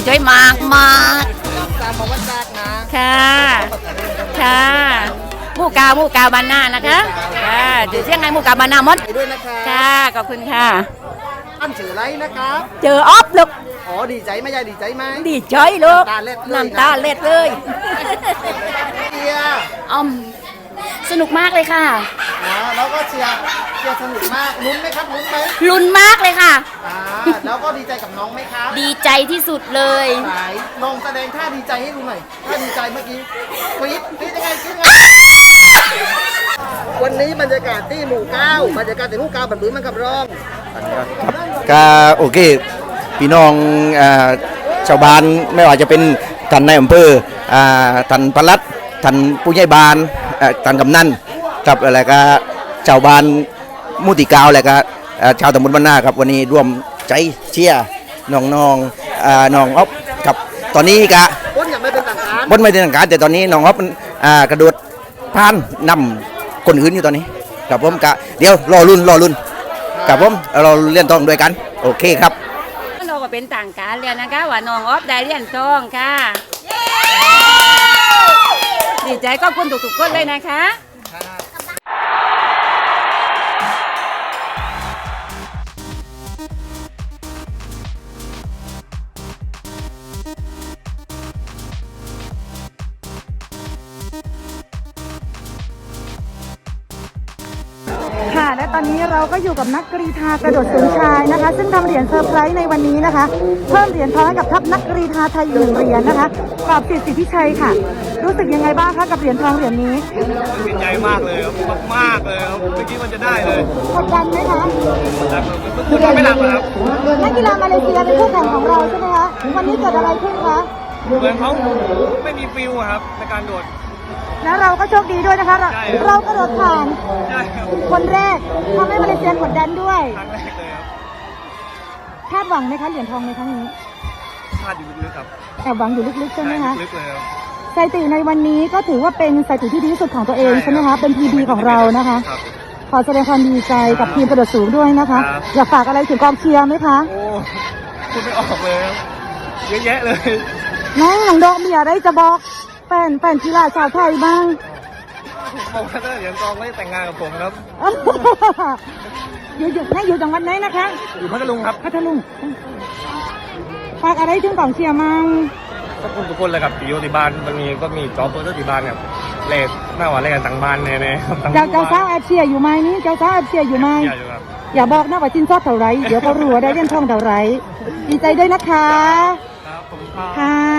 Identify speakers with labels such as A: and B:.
A: ใจมากมาก
B: ตามมาวัดจากนะ
A: ค่ะค่ะหมู่กาวบานนานะคะค่ะถือเสียงไงหมู่กาวบานนามด
B: ด้วยนะคะ
A: ค่ะขอบคุณค่ะ
B: อันชื่ออะไรนะครับ
A: เจอออฟลูก
B: อ๋อดีใจไหมยายดีใจไหม
A: ดีใจลูก
B: น้ำตาเล็ด
A: เลย
B: เชีย
A: สนุกมากเลยค่ะ
B: แล้วก็เชียร์สนุกมากลุ้นไหมครับลุ้นไหม
A: ลุ้นมากเลยค่ะ
B: แล้วก็ดีใจกับน้องไหมครับ
A: ดีใจที่สุดเลย
B: ลองแสดงท่าดีใจให้ดูหน่อยท่าดีใจเมื่อกี้กรี๊ดยังไงวันนี้บรรยากาศที่หมู่9บรรยากาศที่หมู่9แบบนี้มันกับร้อง
C: ก็โอเคพี่น้องชาวบ้านไม่ว่าจะเป็นท่านนายอำเภอท่านปลัดท่านผู้ใหญ่บ้านท่านกำนันกับอะไรก็ชาวบ้านมุติกาวอะไรก็ชาวตำบลบ้านนาครับวันนี้ร่วมใจเชียร์น้องน้องอ๊อฟกับตอนนี้ก็
B: บนยังไม่เป็นทางการ
C: บนไม่เป็นทางการแต่ตอนนี้น้องอ๊อฟกระโดดผ่านนำคนอื่นอยู่ตอนนี้กับผมกะเดี๋ยวรอรุ่นกับผมเราเล่นทองด้วยกันโอเคครับ
A: เราก็เป็นต่างการเรียนนะคะว่าน้องอ๊อฟได้เรียนทองค่ะดีใจก็คุณทุกๆคนเลยนะคะ
D: ค่ะและตอนนี้เราก็อยู่กับนักกรีฑากระโดดสูงชายนะคะซึ่งทำเหรียญเซอร์ไพรส์ในวันนี้นะคะเพิ่มเหรียญทองให้กับทัพนักกรีฑาไทย1เหรียญนะคะกอบสิทธิพิชัยค่ะรู้สึกยังไงบ้างคะกับเหรียญทองเหรียญนี้
E: ดีใจมากเลยครับมากเลยครับเมื่อกี้มันจะได้เลย
D: กดดันไหมคะ
E: กดดันไม่หนักเลยครับ
D: นักกีฬามาเลเซียเป็นคู่แข่งของเราใช่ไหมคะวันนี้เกิดอะไรขึ้นคะ
E: เหมือนเขาไม่มีฟิลครับในการโดด
D: แล้วเราก็โชคดีด้วยนะคะเรากระโดดผ่านคนแรกทำให้มาเลเซียกดดันด้วย
E: ครั้งแรกเลยครับ
D: คาดหวังไหมคะเหรียญทองในครั้งนี้
E: คาดอยู่ลึกๆครับ
D: แอบหวังอยู่ลึกๆใช่ไหมคะ
E: ลึกเลยครับ
D: สถิติในวันนี้ก็ถือว่าเป็นสถิติที่ดีที่สุดของตัวเองใช่ไหมคะเป็น PB ของเรานะคะขอแสดงความดีใจกับทีมกระโดดสูงด้วยนะคะอยากฝากอะไรถึงกองเชียร์ไหมคะ
E: โอ้พูดไม่ออกเลยเยอะแยะเลย
D: น้องดอกมีอะไรจะบอกแฟนกีฬาชาวไทยบ้าง
E: บอกว่าถ้าเหรียญทองไม่แต่งงานกับผมครับ
D: อยู่จังหวัดไหนนะคะ
E: อยู่พัทลุงครับ
D: พัทลุงฝากอะไรถึงกองเชียร์มั่ง
E: ทุกคนเลยครับที่อยู่ที่บ้านมันมีก็มีจอบเพื่อที่บ้านครับเล่นหน้าวันเล่นกันต่างบ้านแน่ๆ
D: เจ้าสาวแอบเชียร์อยู่ไหมนี่เจ้าสาวแอบเชียร์อยู่ไหมอย่าบอกนะว่าชินชอบเท่าไรเดี๋ยวเขารู้ว่าได้เล่นทองเท่าไรดีใจด้วยนะคะ
E: ครับผม
D: ค่ะ